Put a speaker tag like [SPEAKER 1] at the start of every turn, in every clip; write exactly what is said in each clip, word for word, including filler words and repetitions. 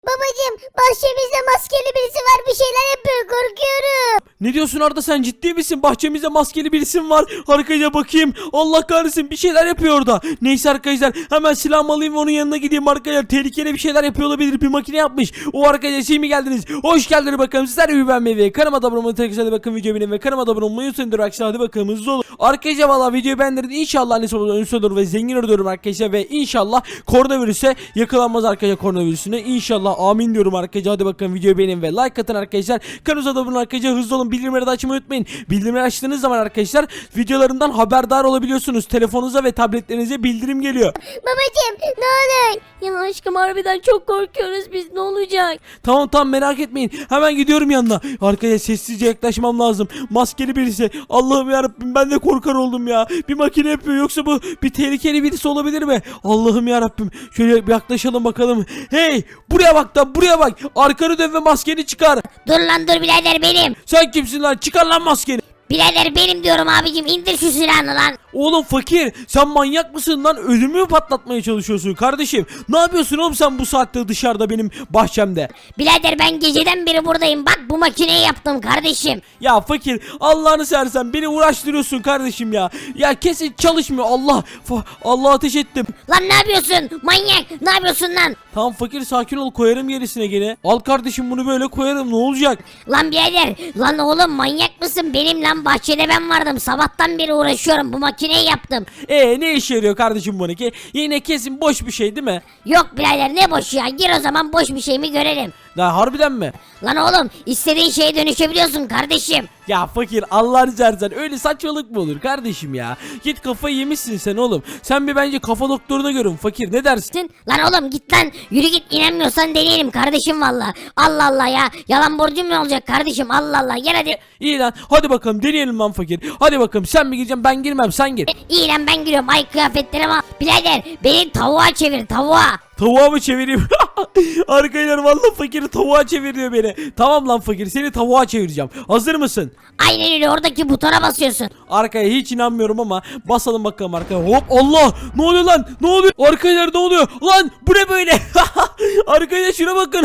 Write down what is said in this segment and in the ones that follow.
[SPEAKER 1] Babacım bahçemizde maskeli birisi var, bir şeyler yapıyor, korkuyorum.
[SPEAKER 2] Ne diyorsun Arda, sen ciddi misin? Bahçemizde maskeli bir isim var. Arkaya bakayım. Allah kahretsin, bir şeyler yapıyor orada. Neyse arkadaşlar, hemen silahımı alayım ve onun yanına gideyim arkadaşlar. Tehlikeli bir şeyler yapıyor olabilir. Bir makine yapmış. O arkadaşlar şey mi geldiniz? Hoş geldiniz bakalım. Sizler de bir beğenmeyi ve kanalıma da abone olmayı, tekrar hadi bakın videoyu beğenin ve kanalıma da abone olmayı unutmayın arkadaşlar. Hadi bakalım hızlı olun. Arkadaşlar valla videoyu beğendirin. İnşallah annesi olur, ünlü olur ve zengin olurum arkadaşlar. Ve inşallah koronavirüse yakalanmaz arkadaşlar, koronavirüsüne. İnşallah amin diyorum arkadaşlar. Hadi bakalım videoyu beğenin ve like atın arkadaşlar. Kanalımıza da abone olun arkadaşlar. Hızlı olun. Bildirimleri de açmayı unutmayın. Bildirimleri açtığınız zaman arkadaşlar videolarımdan haberdar olabiliyorsunuz. Telefonunuza ve tabletlerinize bildirim geliyor.
[SPEAKER 1] Babacım ne olur.
[SPEAKER 3] Ya aşkım harbiden çok korkuyoruz biz, ne olacak?
[SPEAKER 2] Tamam tamam, merak etmeyin. Hemen gidiyorum yanına. Arkaya sessizce yaklaşmam lazım. Maskeli birisi. Allah'ım yarabbim, ben de korkar oldum ya. Bir makine yapıyor, yoksa bu bir tehlikeli birisi olabilir mi? Allah'ım yarabbim. Şöyle bir yaklaşalım bakalım. Hey, buraya bak da buraya bak. Arkanı dön ve maskeni çıkar.
[SPEAKER 1] Dur lan dur birader benim.
[SPEAKER 2] Sen kimsin lan? Çıkar lan maskeni.
[SPEAKER 1] Birader benim diyorum abicim, indir şu silahını lan.
[SPEAKER 2] Oğlum fakir, sen manyak mısın lan? Ödümü mü patlatmaya çalışıyorsun kardeşim? Ne yapıyorsun oğlum sen bu saatte dışarıda benim bahçemde?
[SPEAKER 1] Birader ben geceden beri buradayım, bak bu makineyi yaptım kardeşim.
[SPEAKER 2] Ya fakir, Allah'ını seversen beni uğraştırıyorsun kardeşim ya. Ya kesin çalışmıyor. Allah Allah, ateş ettim.
[SPEAKER 1] Lan ne yapıyorsun manyak, ne yapıyorsun lan?
[SPEAKER 2] Tamam fakir, sakin ol, koyarım gerisine gene. Al kardeşim, bunu böyle koyarım, ne olacak?
[SPEAKER 1] Lan birader, lan oğlum manyak mısın? Benim lan bahçede ben vardım, sabahtan beri uğraşıyorum, bu makineyi yaptım.
[SPEAKER 2] Ee ne işe yarıyor kardeşim bunu ki? Yine kesin boş bir şey değil mi?
[SPEAKER 1] Yok birader ne boş ya, gir o zaman boş bir şey mi görelim.
[SPEAKER 2] Ya harbiden mi?
[SPEAKER 1] Lan oğlum istediğin şeye dönüşebiliyorsun kardeşim.
[SPEAKER 2] Ya fakir, Allah'ını seversen öyle saçmalık mı olur kardeşim ya? Git, kafayı yemişsin sen oğlum. Sen bir bence kafa doktoruna görün fakir, ne dersin?
[SPEAKER 1] Lan oğlum git lan, yürü git, inanmıyorsan deneyelim kardeşim valla. Allah Allah ya, yalan borcum mu olacak kardeşim, Allah Allah, gel hadi.
[SPEAKER 2] İyi lan, hadi bakalım deneyelim lan fakir. Hadi bakalım, sen mi gireceksin, ben girmem, sen gir.
[SPEAKER 1] İyi lan ben giriyorum, ay kıyafetlerime al. Birader beni tavuğa çevir, tavuğa.
[SPEAKER 2] Tavuğa mı çevireyim? Arkadaşlar vallahi fakiri tavuğa çeviriyor beni. Tamam lan fakir, seni tavuğa çevireceğim. Hazır mısın?
[SPEAKER 1] Aynen öyle, oradaki butona basıyorsun.
[SPEAKER 2] Arkaya hiç inanmıyorum ama basalım bakalım arkaya. Hop, Allah! Ne oluyor lan? Ne oluyor? Arkadaşlar ne oluyor? Lan bu ne böyle? Arkadaşlar şuna bakın.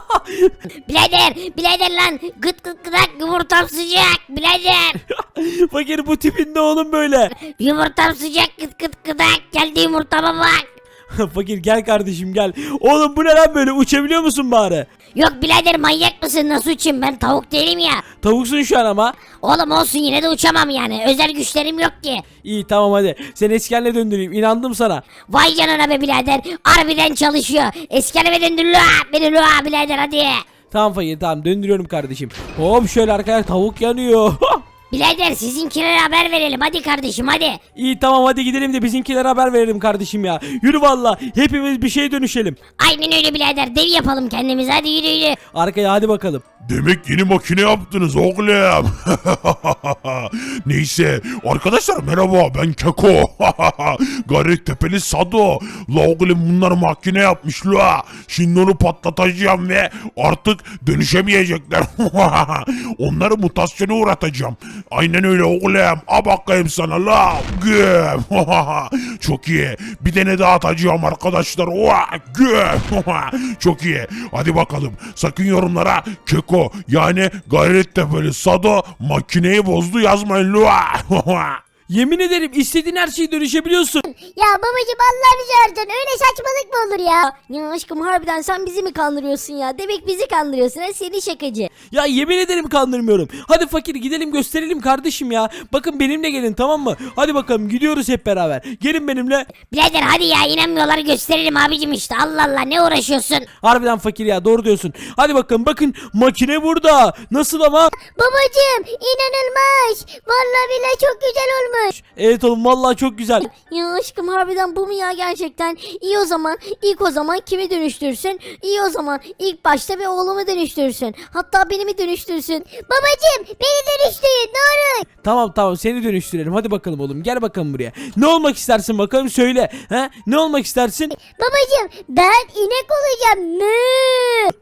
[SPEAKER 1] Birader birader lan, gıt gıt gıdak, yumurtam sıcak birader.
[SPEAKER 2] Fakir, bu tipin ne oğlum böyle?
[SPEAKER 1] Yumurtam sıcak, gıt gıt gıdak, geldi yumurtama bak.
[SPEAKER 2] Fakir gel kardeşim gel. Oğlum bu ne lan böyle? Uçabiliyor musun bari?
[SPEAKER 1] Yok birader manyak mısın, nasıl uçayım, ben tavuk değilim ya.
[SPEAKER 2] Tavuksun şu an ama.
[SPEAKER 1] Oğlum olsun, yine de uçamam yani, özel güçlerim yok ki.
[SPEAKER 2] İyi tamam hadi. Seni eski haline döndüreyim. İnandım sana.
[SPEAKER 1] Vay canına be birader, harbiden çalışıyor. Eski halime döndür la beni la birader, hadi.
[SPEAKER 2] Tamam fakir, tamam döndürüyorum kardeşim. Hop şöyle arkadaşlar, tavuk yanıyor.
[SPEAKER 1] Birader sizinkilere haber verelim hadi kardeşim, hadi.
[SPEAKER 2] İyi tamam, hadi gidelim de bizimkilere haber verelim kardeşim ya. Yürü valla, hepimiz bir şeye dönüşelim.
[SPEAKER 1] Aynen öyle birader, dev yapalım kendimize, hadi yürü yürü.
[SPEAKER 2] Arkaya hadi bakalım.
[SPEAKER 4] Demek yeni makine yaptınız oğlum. Neyse arkadaşlar, merhaba, ben Keko. Gayrettepeli Sado. La oğlum, bunlar makine yapmış la. Şimdi onu patlatacağım ve artık dönüşemeyecekler. Onları mutasyona uğratacağım. Aynen öyle oğlum. A bakayım sana la. Güm. Çok iyi. Bir tane daha atacağım arkadaşlar. Güm. Çok iyi. Hadi bakalım. Sakın yorumlara Keko yani Gayrettepeli Sado makineyi bozdu yazmayın la.
[SPEAKER 2] Yemin ederim istediğin her şeyi dönüşebiliyorsun.
[SPEAKER 1] Ya babacım Allah bizi öldün, öyle saçmalık mı olur ya?
[SPEAKER 3] Ya aşkım harbiden sen bizi mi kandırıyorsun ya? Demek bizi kandırıyorsun ha, seni şakacı.
[SPEAKER 2] Ya yemin ederim kandırmıyorum. Hadi fakir gidelim, gösterelim kardeşim ya. Bakın benimle gelin, tamam mı? Hadi bakalım, gidiyoruz hep beraber. Gelin benimle.
[SPEAKER 1] Birader hadi ya, inanmıyorlar, gösterelim abicim işte, Allah Allah, ne uğraşıyorsun?
[SPEAKER 2] Harbiden fakir ya, doğru diyorsun. Hadi bakalım, bakın makine burada. Nasıl ama?
[SPEAKER 1] Babacım inanılmaz, vallahi billahi çok güzel olmuş.
[SPEAKER 2] Evet oğlum, vallahi çok güzel.
[SPEAKER 3] Ya aşkım harbiden bu mu ya gerçekten? İyi o zaman ilk o zaman kimi dönüştürsün? İyi o zaman ilk başta bir oğlumu dönüştürsün. Hatta beni mi dönüştürsün?
[SPEAKER 1] Babacım beni dönüştürün ne olur.
[SPEAKER 2] Tamam tamam, seni dönüştürelim. Hadi bakalım oğlum, gel bakalım buraya. Ne olmak istersin bakalım, söyle. He? Ne olmak istersin?
[SPEAKER 1] Babacım ben inek olacağım. Mü.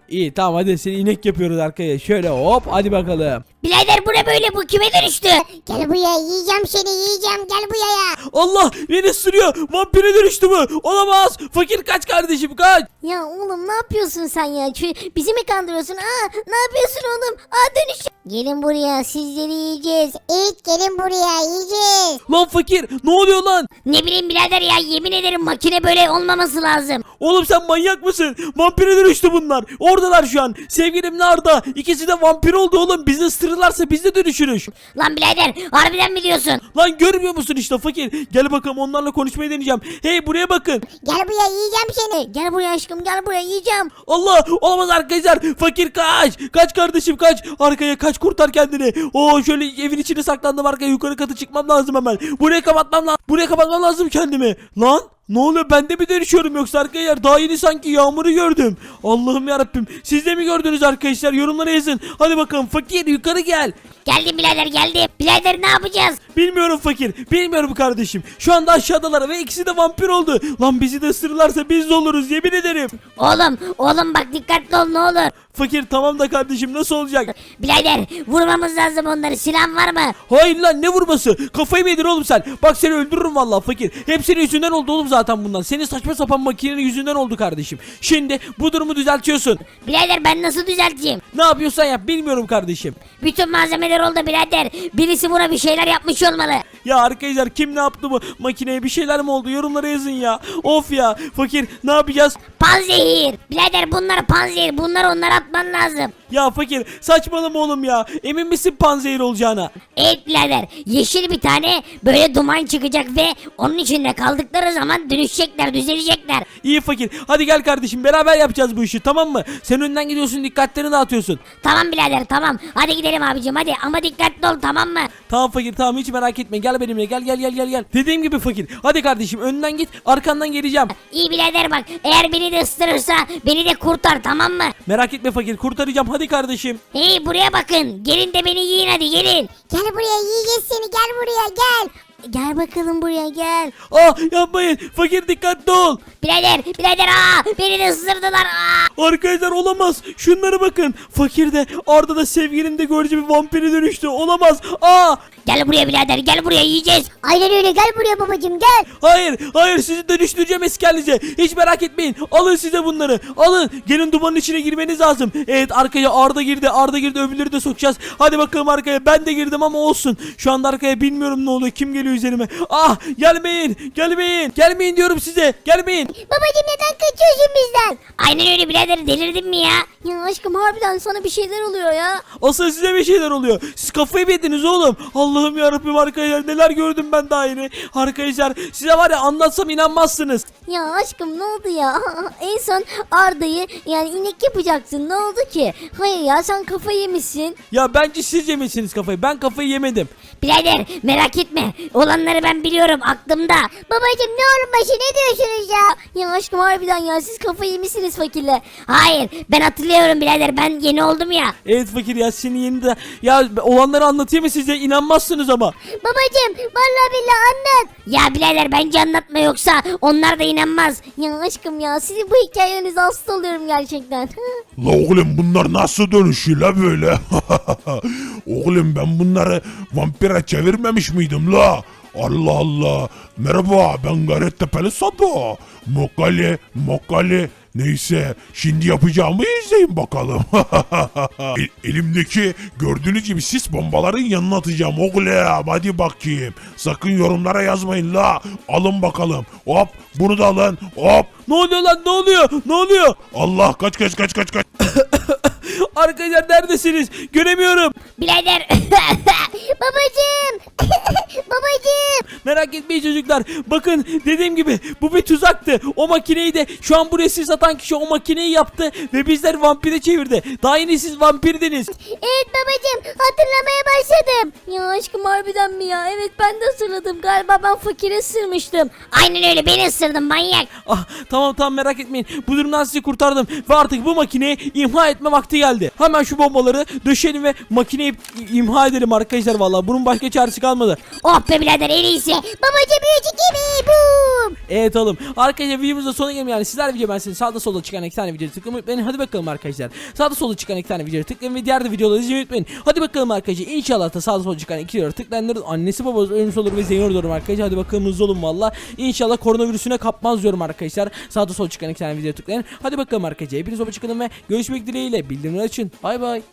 [SPEAKER 2] İyi tamam hadi seni inek yapıyoruz arkaya. Şöyle hop hadi bakalım.
[SPEAKER 1] Birader bu ne böyle, bu kime dönüştü?
[SPEAKER 3] Gel buraya, yiyeceğim seni, yiyeceğim, gel buraya.
[SPEAKER 2] Allah beni ısırıyor. Vampire dönüştü bu. Olamaz. Fakir kaç kardeşim kaç.
[SPEAKER 3] Ya oğlum ne yapıyorsun sen ya? Şu- bizi mi kandırıyorsun? Aa, ne yapıyorsun oğlum? Aa, dönüş. Gelin buraya, sizleri yiyeceğiz. Evet, gelin buraya, yiyeceğiz.
[SPEAKER 2] Lan fakir ne oluyor lan?
[SPEAKER 1] Ne bileyim birader ya, yemin ederim makine böyle olmaması lazım.
[SPEAKER 2] Oğlum sen manyak mısın? Vampire dönüştü bunlar. Oradalar şu an. Sevgilim Arda. İkisi de vampir oldu oğlum. Bizi ısırırlarsa biz de dönüşürüz.
[SPEAKER 1] Lan birader harbiden mi diyorsun?
[SPEAKER 2] Lan görmüyor musun işte fakir? Gel bakalım onlarla konuşmayı deneyeceğim. Hey buraya bakın.
[SPEAKER 3] Gel buraya, yiyeceğim seni. Gel buraya aşkım, gel buraya, yiyeceğim.
[SPEAKER 2] Allah olamaz arkadaşlar. Fakir kaç. Kaç kardeşim kaç. Arkaya kaç kurtar kendini. Oo şöyle evin içine saklandım arkaya. Yukarı katı çıkmam lazım hemen. Buraya kapatmam lazım. Buraya kapatmam lazım kendimi. Lan ne oluyor, ben de mi dönüşüyorum yoksa arkadaşlar? Daha yeni sanki yağmuru gördüm. Allah'ım yarabbim. Siz de mi gördünüz arkadaşlar? Yorumlara yazın. Hadi bakalım fakir yukarı gel.
[SPEAKER 1] Geldim birader, geldim. Birader ne yapacağız?
[SPEAKER 2] Bilmiyorum fakir. Bilmiyorum kardeşim. Şu anda aşağıdalar ve ikisi de vampir oldu. Lan bizi de ısırırlarsa biz de oluruz yemin ederim.
[SPEAKER 1] Oğlum, oğlum bak dikkatli ol ne olur.
[SPEAKER 2] Fakir tamam da kardeşim nasıl olacak?
[SPEAKER 1] Birader vurmamız lazım onları, silahın var mı?
[SPEAKER 2] Hayır lan ne vurması? Kafayı mı yedin oğlum sen? Bak seni öldürürüm vallahi fakir. Hep senin yüzünden oldu oğlum zaten bundan. Senin saçma sapan makinenin yüzünden oldu kardeşim. Şimdi bu durumu düzeltiyorsun.
[SPEAKER 1] Birader ben nasıl düzelteyim?
[SPEAKER 2] Ne yapıyorsan yap bilmiyorum kardeşim.
[SPEAKER 1] Bütün malzemeler oldu birader. Birisi buna bir şeyler yapmış olmalı.
[SPEAKER 2] Ya arkadaşlar kim ne yaptı bu makineye, bir şeyler mi oldu? Yorumlara yazın ya. Of ya fakir ne yapacağız?
[SPEAKER 1] Panzehir. Birader bunlar panzehir. Bunlar onlara atman lazım.
[SPEAKER 2] Ya fakir saçmalama oğlum ya. Emin misin panzehir olacağına?
[SPEAKER 1] Evet birader. Yeşil bir tane böyle duman çıkacak ve onun içinde kaldıkları zaman dönüşecekler, düzelecekler.
[SPEAKER 2] İyi fakir. Hadi gel kardeşim beraber yapacağız bu işi tamam mı? Sen önden gidiyorsun, dikkatlerini dağıtıyorsun.
[SPEAKER 1] Tamam birader tamam. Hadi gidelim abicim hadi ama dikkatli ol tamam mı?
[SPEAKER 2] Tamam fakir tamam hiç merak etme. Gel benimle gel gel gel gel gel. Dediğim gibi fakir. Hadi kardeşim önden git, arkandan geleceğim.
[SPEAKER 1] İyi birader bak, eğer beni de ısırırsa beni de kurtar tamam mı?
[SPEAKER 2] Merak etme fakir, kurtaracağım hadi kardeşim.
[SPEAKER 1] Hey buraya bakın, gelin de beni yiyin hadi gelin.
[SPEAKER 3] Gel buraya, yiyeceğiz seni, gel buraya, gel. Gel bakalım buraya, gel.
[SPEAKER 2] Ah yapmayın fakir, dikkatli ol.
[SPEAKER 1] Birader birader aa beni de ısırdılar aa.
[SPEAKER 2] Arkadaşlar olamaz. Şunlara bakın. Fakir de Arda da sevgilim de görece bir vampire dönüştü. Olamaz. Aa!
[SPEAKER 1] Gel buraya birader, gel buraya yiyeceğiz.
[SPEAKER 3] Aynen öyle, gel buraya babacım, gel.
[SPEAKER 2] Hayır, hayır sizi dönüştüreceğim eski halinize. Hiç merak etmeyin. Alın size bunları. Alın. Gelin dumanın içine girmeniz lazım. Evet arkaya Arda girdi. Arda girdi. Öbürleri de sokacağız. Hadi bakalım arkaya. Ben de girdim ama olsun. Şu anda arkaya bilmiyorum ne oluyor. Kim geliyor üzerime? Ah! Gelmeyin. Gelmeyin. Gelmeyin diyorum size. Gelmeyin.
[SPEAKER 3] Babacım neden kaçıyorsun bizden?
[SPEAKER 1] Aynen öyle birader, delirdin mi ya?
[SPEAKER 3] Ya aşkım harbiden sana bir şeyler oluyor ya.
[SPEAKER 2] Asıl size bir şeyler oluyor. Siz kafayı mı yediniz oğlum? Allah'ım yarabbim arkadaşlar, neler gördüm ben daha yeni. Arkadaşlar size var ya anlatsam inanmazsınız.
[SPEAKER 3] Ya aşkım ne oldu ya? En son Arda'yı yani inek yapacaksın, ne oldu ki? Hayır ya, sen kafayı yemişsin.
[SPEAKER 2] Ya bence siz yemişsiniz kafayı. Ben kafayı yemedim.
[SPEAKER 1] Birader merak etme, olanları ben biliyorum aklımda.
[SPEAKER 3] Babacım ne olur başı, ne diyorsunuz ya? Ya aşkım harbiden ya, siz kafayı yemişsiniz fakirle.
[SPEAKER 1] Hayır ben hatırlıyorum birader, ben yeni oldum ya.
[SPEAKER 2] Evet fakir ya, senin yeni de ya olanları anlatayım mı size, inanmazsınız ama.
[SPEAKER 3] Babacım vallahi billahi anlat.
[SPEAKER 1] Ya birader bence anlatma, yoksa onlar da inanmaz.
[SPEAKER 3] Ya aşkım ya, sizin bu hikayenize hasta oluyorum gerçekten.
[SPEAKER 4] La oğlum bunlar nasıl dönüşüyor la böyle? Oğlum ben bunları vampire çevirmemiş miydim la? Allah Allah. Merhaba ben Gayrettepe'li Sado. Mokali, Mokali. Neyse şimdi yapacağımı izleyin bakalım. E- elimdeki gördüğünüz gibi sis bombaların yanına atacağım oğlum. Hadi bakayım. Sakın yorumlara yazmayın la. Alın bakalım. Hop bunu da alın. Hop.
[SPEAKER 2] Ne oluyor lan, ne oluyor, ne oluyor?
[SPEAKER 4] Allah kaç kaç kaç kaç kaç.
[SPEAKER 2] Arkadaşlar neredesiniz? Göremiyorum.
[SPEAKER 1] Birader
[SPEAKER 3] Babacım. Babacım.
[SPEAKER 2] Merak etmeyin çocuklar. Bakın dediğim gibi bu bir tuzaktı. O makineyi de şu an buraya siz atan kişi o makineyi yaptı ve bizler vampire çevirdi. Daha yeni siz vampirdiniz.
[SPEAKER 3] Evet babacım, hatırlamaya başladım. Ya aşkım harbiden mi ya? Evet, ben de hatırladım. Galiba ben fakire sırmıştım.
[SPEAKER 1] aynen öyle, beni ısırdın manyak.
[SPEAKER 2] Ah tamam tamam merak etmeyin. Bu durumdan sizi kurtardım ve artık bu makineyi imha etme vakti geldi. Hemen şu bombaları döşeyelim ve makineyi imha edelim arkadaşlar. vallahi. Bunun başka çaresi kalmadı.
[SPEAKER 1] Oh be birader en iyisi.
[SPEAKER 3] Babacım üç iki bir boom.
[SPEAKER 2] Evet oğlum. Arkadaşlar videomuzda sona gelelim yani. Sizler video ben sizin sağda solda çıkan iki tane videoyu tıklamayı unutmayın. Hadi bakalım arkadaşlar. Sağda solda çıkan iki tane videoyu tıklayın ve diğer de videoları izlemeyi unutmayın. Hadi bakalım arkadaşlar. İnşallah da sağda solda çıkan iki videoyu tıklayanların annesi babası ölmüş olur ve zengin olur diyorum arkadaşlar. Hadi bakalım hızlı olun valla. İnşallah koronavirüsüne kapmaz diyorum arkadaşlar. Sağda solda çıkan iki tane videoyu tıklayın. Hadi bakalım arkadaşlar. Hepiniz hoşça kalın ve görüşmek dileğiyle. Bildirimleri açın. Bay bay.